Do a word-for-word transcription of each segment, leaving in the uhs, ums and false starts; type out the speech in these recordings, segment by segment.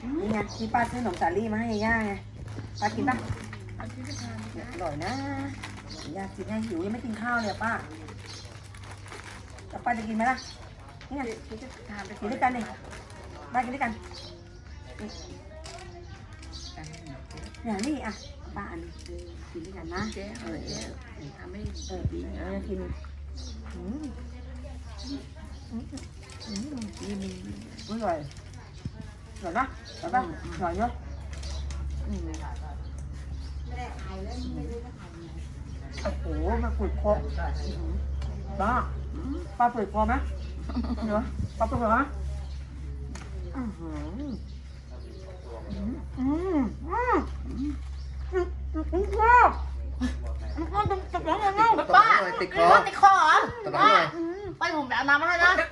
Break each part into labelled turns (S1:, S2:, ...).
S1: นี่ไงที่ป้าซื้อขนมสาลี่มาให้ย่าไงป้ากินป่ะอร่อยนะย่ากินให้หิวยังไม่กินข้าวเลยป้าแล้วป้าจะกินไหมล่ะนี่ไงทานไปกินด้วยกันเลยป้ากินด้วยกันอย่างนี้อ่ะป้าอันนี้กินด้วยกันนะเออทำให้เออเออกินอืมอืมอืมอร่อยอร่อยปะอร่อยปะอร่อยเยอะโอ้โหมาฝืดคอป้าป้าฝืดคอไหมเดี๋ยวป้าฝืดคอไหมอืมอืมอืมอืมอืมอืมป้าป้าติดคอติดคอติดคอเหรอป้าไปผมแบบน้ำมาให้นะ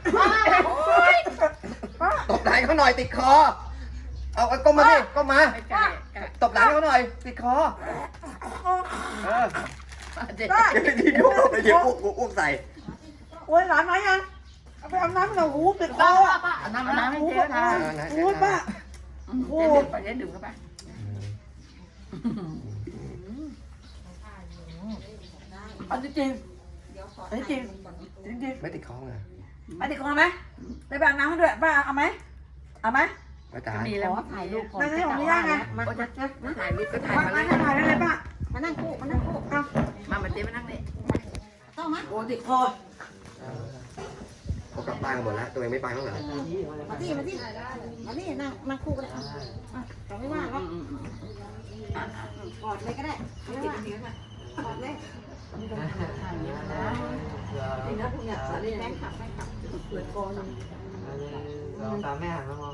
S1: ตบไหล่เขาหน่อยติดคอเอาเอาก้มมาดิก้มมาตบไหล่เขาหน่อยติดคอเออเดี๋ยวเดี๋ยวเดี๋ยวอ้วกอ้วกใส่โอ้ยหลานไหนยังเอาไปเอาน้ำหน่อยหูติดคอป้าเอาน้ำน้ำให้เจ๊นะโอ้ยป้าโอ้ยไปเจ๊ดื่มเข้าไปอันนี้จริงอันนี้จริงจริงจริงไม่ติดคอไงไม่ติดคอไหมไปแบ่งน้ำให้ด้วยป้าเอาไหมเอาไหมไม่ตายมีแล้วถ่ายรูปนั่นนี่ของพี่ย่าไงมาจะจะถ่ายรูปก็ถ่ายมาเลยถ่ายได้เลยป้ามานั่งคู่มานั่งคู่เอามามาเจ๊มานั่งนี่ต้องไหมโอ้ติดคอเขากลับบ้านกันหมดแล้วตัวเองไม่ไปข้างหลังมาที่มาที่มาที่นั่งนั่งคู่กันเลยอ่ะเราไม่ว่าครับกอดเลยก็ได้ไม่ติดเนื้อกอดเลยนี่นะพวกเนี้ยสาลีแม่ขับแม่ขับเปิดคอเลยเราตามแม่หันมามอง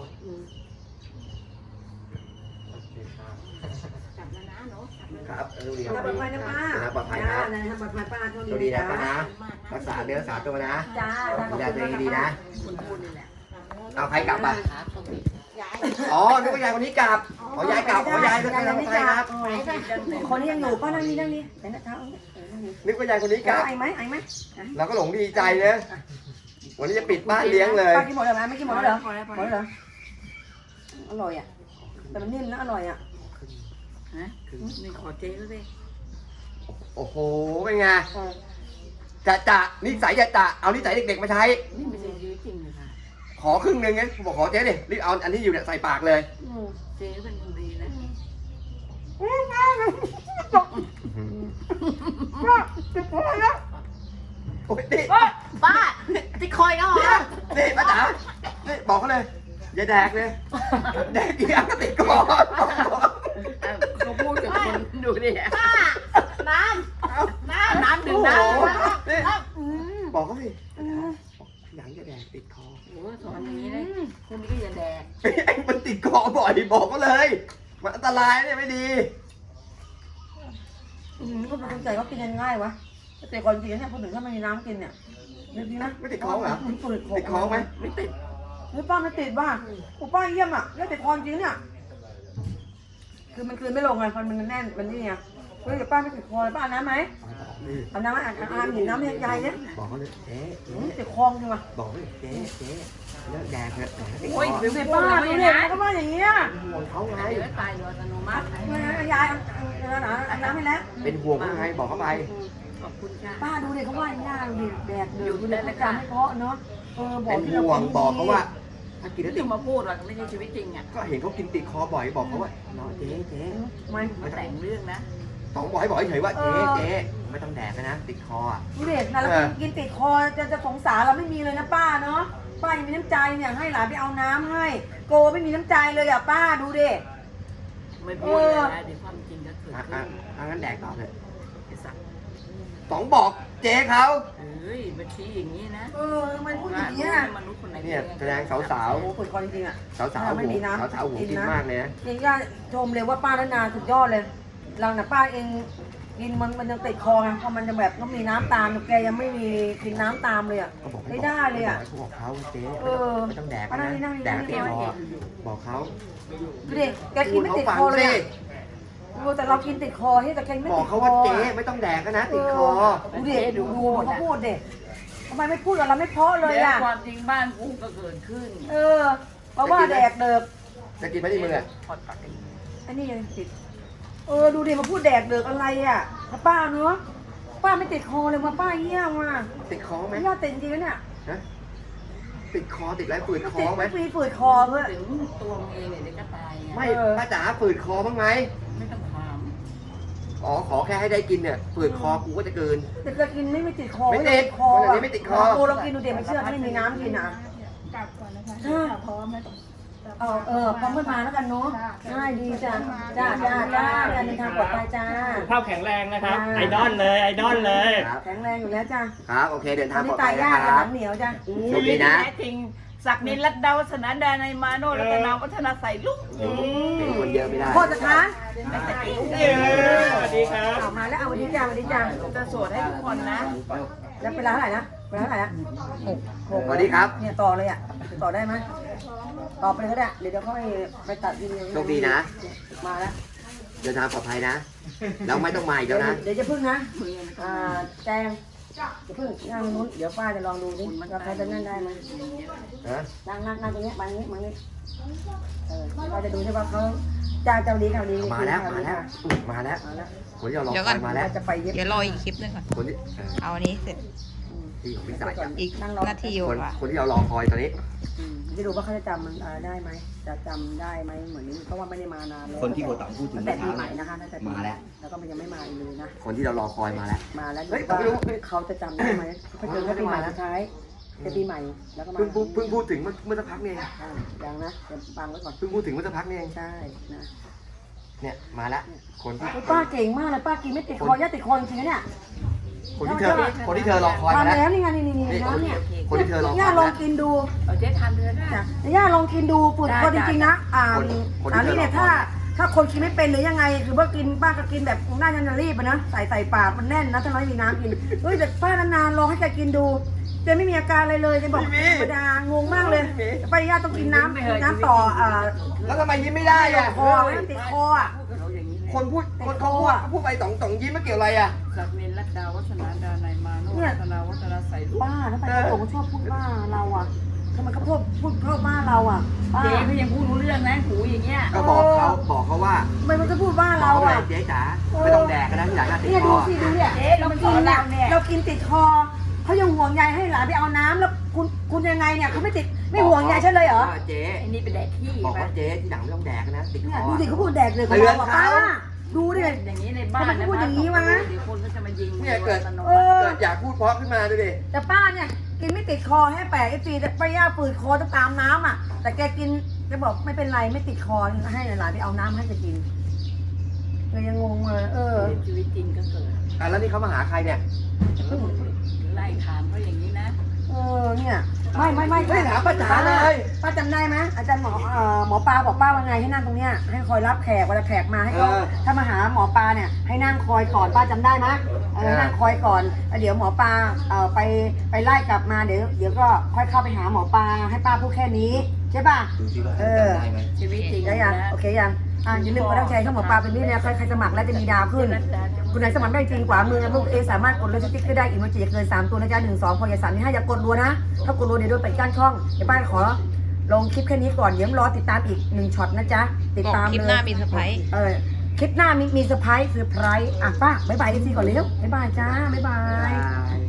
S1: กลับแล้วนะเนาะครับดูดีครับปลอดภัยนะป้าปลอดภัยนะปลอดภัยป้าโชคดีนะป้านะรักษาเนื้อรักษาตัวนะจ้าดูแลตัวเองดีนะเอาใครกลับอ่ะอ๋อนึกว่ายายคนนี้กลับขอยายกลับขอยายก็ไปรับใครครับคนนี้ยังอยู่ป้านั่งนี่นั่งนี่แต่นะเท้านึกว่ายายคนนี้กลับไอ้ไหมไอ้ไหมเราก็หลงดีใจเลยวันนี้จะปิดบ้านเลี้ยงเลยป้ากินหมดเลยไหมไม่กินหมดแล้วเหรอหมดแล้วเหรออร่อยอ่ะแต่มันนิ่มนะอร่อยอ่ะฮะนี่ขอเจ๊ก็ได้โอ้โหเป็นไงจะจะนิสัยจะจะเอานิสัยเด็กๆมาใช้นี่ไม่ใช่ชีวิตจริงเลยค่ะขอครึ่งนึงไงบอกขอเจ๊ดิรีบเอาอันที่อยู่เนี่ยใส่ปากเลยเจ๊เป็นคนดีนะป้าติดคอยแล้วโอ้ยติป้าติดคอยแล้วเหรอนี่ป้าจ๋านี่บอกเขาเลยอย่าแดกเลยแดกกี่อันก็ติดคอเขาพูดกับคนดูดิป้าน้ำน้ำน้ำดื่มน้ำบอกเขาสิหนังจะแดกติดคอโอ้สอนอย่างนี้เลยคนนี้ก็อย่าแดกไอ้มันติดคอบ่อยบอกเขาเลยมันอันตรายเนี่ยไม่ดีอืมก็เป็นใจเขากินง่ายวะแต่ก่อนกินเนี่ยพอถึงถ้ามันมีน้ำกินเนี่ยจริงนะไม่ติดคอเหรอติดคอไหมไม่ติดหรือป้าไม่ติดบ้างกูป้าเยี่ยมอ่ะแล้วติดคอจริงเนี่ยคือมันคืนไม่ลงไงมันมันแน่นมันนี่ไงเฮ้ยป้าไม่ติดคอป้าน้ำไหมเอาน้ำอ่านอ่านหยิบน้ำให้ยายเนี่ยบอกเขาเลยเจ๊ติดคอจริงป่ะบอกเลยเจ๊เจ๊เลิกแดกเถอะโอ้ยเด็กป้าดูเด็กเขาว่าอย่างเงี้ยห่วงเขาไงตายโดยอัตโนมัติยายเอาน้ำให้แล้วเป็นห่วงเขาไงบอกเขาไปขอบคุณค่ะป้าดูเด็กเขาว่าอย่างเงี้ยดูเด็กแดกเดือดดูแลรายการให้เพาะเนาะเออบอกเป็นห่วงบอกเขาว่าถ้ากินแล้วติดมาพูดว่าไม่ใช่ชีวิตจริงอ่ะก็เห็นเขากินติดคอบ่อยบอกเขาว่าเนาะเจ๊เจ๊ไม่ไม่แต่งเรื่องนะต้องบอกให้บอกเฉยว่าเจ๊เจ๊ไม่ต้องแดกนะติดคออ่ะดูเด็กนะเรากินติดคอจะจะสงสารเราไม่มีเลยนะป้าเนาะป้ายังมีน้ำใจเนี่ยให้หลานไปเอาน้ำให้โกไม่มีน้ำใจเลยอ่ะป้าดูดิไม่พูดเลยนะเดี๋ยวความจริงก็เกิดขึ้นอ่ะงั้นแดกต่อเลยสองบอกเจ๊เขาเฮ้ยบัญชีอย่างนี้นะเออมันพูดอย่างนี้มนุษย์คนไหนเนี่ยแสดงสาวสาวโอ้คนจริงอ่ะสาวสาวไม่มีน้ำสาวสาวหูกินมากเลยนะยังย่าชมเลยว่าป้าและนาสุดยอดเลยเราน่ะป้าเองกินมันมันยังติดคอไงพอมันจะแบบต้องมีน้ำตามแกยังไม่มีกินน้ำตามเลยอ่ะไม่ได้เลยอ่ะบอกเขาเจ๊ไม่ต้องแดกนะแดกติดคอบอกเขาดูดิแกกินไม่ติดคอเลยแต่เรากินติดคอที่แต่แกไม่ติดคอบอกเขาว่าเจ๊ไม่ต้องแดกนะติดคอดูดิดูเขาพูดเด็กทำไมไม่พูดกับเราไม่เพาะเลยอ่ะความจริงบ้านกูก็เกิดขึ้นเออเพราะว่าแดกเดิก
S2: จะกินไหมที่มืออ่ะ
S1: อันนี้ยังติดเออดูดิมาพูดแดกเดือกอะไรอ่ะถ้าป้าเนาะป้าไม่ติดคอเลยมาป้าเยี่ยมว่ะ
S2: ติดคอไหม
S1: ไม่ยอดติดจริงๆเนี่ย
S2: ฮะติดคอติดอะไรฝืดคอ
S1: ติด
S2: ไหม
S1: ไม่ฝืดคอเพื่อ
S3: ถึงตัวมึงเองเนี่ยเดี๋ยวก็ตายไง
S2: ไม่ป้าจ๋าฝืดคอบ้างไหม
S3: ไม่ต้องถาม
S2: อ๋อขอแค่ให้ได้กินเนี่ยฝืดคอกูก็จะเกิน
S1: แต่จะกินไม่ไม่ติดคอ
S2: ไม่ติด
S1: คอ
S2: คนแบบนี้ไม่ติดคอ
S1: โอ้เรากินดูเด็กไม่เชื่อไม่มีน้ำกินอ่ะ
S4: กลับก่อนนะคะพร้อมแล้ว
S1: เออเออพร้อมเพื่อนมาแล้วกันเนาะง่ายดีจ้ะจ้าจ้าจ้าการเดินทางปลอดภัยจ้า
S5: สุขภาพแข็งแรงนะครับ ไอดอลเลย ไอดอลเลย
S2: ครับ
S1: แข็งแรงอยู่แล้วจ้า
S2: ครับโอเคเดิน
S1: ต
S2: ทา
S1: อง น
S2: ปล
S1: นี้
S2: อด
S1: ตา
S2: ภั
S1: ย
S2: ย
S1: ยา
S2: นะ
S1: ก
S2: ค
S1: ห
S2: รั
S1: ลั
S2: บ
S1: งเหนียวจ้ะ
S2: โชคดีนะ
S3: แท้จริงศักดินรัตดาวัฒนาดานายมาโนรัตนาวัฒนาใส่ลุก
S2: เป็นคนเยอะไม่ได้
S1: โคตรค้าน
S5: เย้สวัสดีครับ
S1: เอามาแล้วเอาวันนี้จ้าวันนี้จ้า
S3: จะสวดให้ทุกคนนะ
S1: แล้วเป็นร้านเท่าไหร่นะเป็นร้านเท่าไหร่นะหกหก
S2: สวัสดีครับ
S1: เนี่ยต่อเลยอ่ะต่อได้ไหมต่อไปเลยก็ได้เดี๋ยวเดี๋ยวค่อยไปตัดวิดีโอ
S2: โชคดีนะ
S1: มาแล้ว
S2: เดินทางปลอดภัยนะแล้วไม่ต้องมาอีกแล้วนะ
S1: เดี๋ยวจะพึ่งนะอ่าแจงจะพึ่งนั่งนู้นเดี๋ยวป้าจะลองดูดิว่าเขาจะนั่งได้ไหม
S2: ฮะ
S1: นั่งนั่งนั่งตรงนี้มาตรงนี้มาตรงนี้เออเราจะดูใช่ป่ะเขาเจ้าเจ้าดีเขาดี
S2: มาแล้วมาแล้วอุ๊ยมาแล้ว
S1: มาแล้ว
S2: คนที่เรารอ
S6: เดี๋ยว
S2: ค
S6: ก่
S2: อ
S6: อน
S2: ยมาแล้ว
S1: จะไปเย็บ
S6: เดี๋ยวรออีกคลิปหนึงก่อน
S2: คนที่เออ
S6: เอาอันนี้เสร็จ
S2: ที่ของพี่สายอ่ะ
S6: อีกนาที
S2: คน
S6: กว่า
S2: คนที่เรารอคอยตอนนี้
S1: อืมจะดูว่าเขาจะจำมันได้ไหมจะจำได้ไหมเหมือนนี้เพราะว่าไม่ได้มานานแล้ว
S2: คนที่โบตังพูดถึง
S1: ตั้งแต่ปีใหม่นะคะตั้งแต่ปี
S2: มาแล้ว
S1: แล้วก็มันยังไม่มาอีกเลยนะ
S2: คนที่เรารอคอยมาแล้ว
S1: มาแล้ว
S2: เฮ้ย
S1: ว่า
S2: ไม่รู้
S1: เขาจะจำได้ไหมเขาเจอแค่ปีใหม่สุดท้ายจะปีใหม่แล้วก็มา
S2: เพิ่งพูดเพิ่งพูดถึงเมื่อเมื่อสักพักนี่เอง
S1: อ่ายังนะเดี๋ยวฟังไว้ก่อน
S2: เพิ่งพูดถึงเมื่อสักพักนี่เอง
S1: ใช่นะ
S2: เนี่ยมาแล้วคนที่
S1: ป้าเก่งมากเลยป้ากินไม่ติดคอย่าติดคอจริงๆนะเนี่ย
S2: คนที่เธอคนที่เธอรอคอยมา
S1: ทำ
S2: แล้ว
S1: แล้วนี่ไงนี่นี่นี่
S2: นี่
S1: น้ำเนี่ย
S2: คนที่เธอรอคอย
S1: ย่า
S2: มา
S1: ล
S2: แล้
S1: อ
S2: ว
S1: งกินดู
S3: เอาเจ๊ทานเดือน
S1: จ้ะย่าลองกินดูฝืดคอจริงๆนะอ่า
S2: คนคนที่
S1: อันนี้เนี่ย
S2: เธอรอคอย
S1: ถ้าถ้าคนกินไม่เป็นหรือยังไงคือว่ากินป้าก็กินแบบน่าจะรีบอะนะใส่ใส่ปากมันแน่นนะถ้าน้อยมีน้ำกินเฮ้ยแต่ป้านานๆลองให้แกกินดูแกไม่มีอาการอะไรเลยแกบอกธรรมดางงมากเลยป้าย่าต้องกินน้ำกินน้ำต่ออ่า
S2: แล้วทำไมยิ้มไม่ได้อ่ะ
S1: คอให้มันติดคออ่ะ
S3: เขาอย่างนี้เลย
S2: คนพูดคนเขาพูดพูดไปสองสองยิ้มไม่เกี่ยวอะไรอ่ะ
S3: ศักดินรัตดาวัฒนาดานายมาโนรัตนาวัฒนาใส่ลุก
S1: ป้าทำไมเขาชอบพูดว่าเราอ่ะทำไมเขาพูดพูดเข้าบ้านเราอ่ะป้า
S3: เจ๊เขายังพูดรู้เรื่องนะหูอย่างเงี้ย
S2: ก็บอกเขาบอกเขาว่า
S1: ทำไมมันจะพูดว่า
S2: บอ
S1: เรา
S2: กเขาเล
S1: อ่ะ
S2: ยเจ๊จ๋าไม่ต้องแดกกันนะที่หลังน่าติด
S1: เนี่ย
S2: ค
S1: ดู
S2: อ
S1: สิดูเนี่ย
S3: เจ๊
S1: เรา
S3: เรา
S1: กิ
S3: กิ
S1: น
S3: น
S1: เนี่
S3: เนี่ย ย
S1: เรากินติดคอเขายังห่วงใยให้หลานไปเอาน้ำแล้วคุณคุณยังไงเนี่ยเขาไม่ติดไม่ห่วงใยฉันเลยเหรอ
S2: เจ๊
S3: ไอ้นี่เป็นแดกขี้
S2: บอก
S3: ไป
S2: ว่าเจ๊ที่หลังไม่ต้องแดกกันนะติดค
S1: เนี่ย
S2: อ
S1: ดูสิเขาพูดแดกเลยของ
S2: เตือน
S1: เราอะ
S2: เขา
S1: ป้าดูดิ
S3: อย่างนี้ในบ้าน
S1: ทำไมพูดอย่างนี้วะ
S3: เดี๋ยวคนก็จะมายิง
S2: เนี่ยเกิด
S1: เออ
S2: เกิดอยากพูดเพราะขึ้นมาดูดิ
S1: แต่ป้าเนี่ยกินไม่ติดคอให้แปลกไอ้ปีแต่ป้าย่าฝืดคอจะตามน้ำอ่ะ แต่แกกินแกบอกไม่เป็นไรไม่ติดคอให้หลานไปเอาน้ำให้แกกินเลยยังงงเลยเออ
S3: ชีวิตจริงก็เกิด
S2: อ่ะแล้วนี่เขามาหาใครเนี่ย
S3: ไล่ถามเขาอย่างนี้นะ
S1: เออเนี่ยไม่ไม่ไม่
S2: ไม่ถามป้าจ๋าเลย
S1: ป้าจำได้ไหมอาจารย์หมอเอ่อหมอปลาบอกป้าว่าไงให้นั่งตรงเนี้ยให้คอยรับแขกเวลาแขกมาให้เขา
S2: เออ
S1: ถ้ามาหาหมอปลาเนี่ยให้นั่งคอยก่อนป้าจำได้ไหมเออนั่งคอยก่อนแล้วเดี๋ยวหมอปลาเอ่อไปไปไล่กลับมาเดี๋ยวเดี๋ยวก็ค่อยเข้าไปหาหมอปลาให้ป้าพูดแค่นี้ใช่ป่ะ
S2: ดูสิว่า
S1: เออ
S2: จำได้ไหม
S3: ชีวิตจริง
S1: ได้ยัง
S3: นะ
S1: โอเคยังอ่ะอย่าลืมกดรับใช้เข้าหมอปลาเป็นนี่นะใครใครสมัครแล้วจะมีดาวขึ้น คุณไหนสมัครได้จริงกว่ามือลูกเอสามารถกดเลยสติ๊กเกอร์ได้อีกมันจะเกินสามตัวนะจ๊ะหนึ่งสองพออย่าสามนี่ห้าอย่ากดรัวนะถ้ากดรัวเดี๋ยวโดนปิดกั้นช่องเดี๋ยวป้าขอลงคลิปแค่นี้ก่อนเดี๋ยวรอติดตามอีกหนึ่งช็อตนะจ๊ะติด
S6: บอก
S1: ตาม
S6: คลิป
S1: เลย
S6: หน้ามีเซอร์ไพรส์
S1: เออคลิปหน้ามีมีเซอร์ไพรส์เซอร์ไพรส์อ่ะป้าบ๊ายบายเอฟซีก่อนเร็วบ๊ายบายจ้าบ๊ายบาย
S2: บาย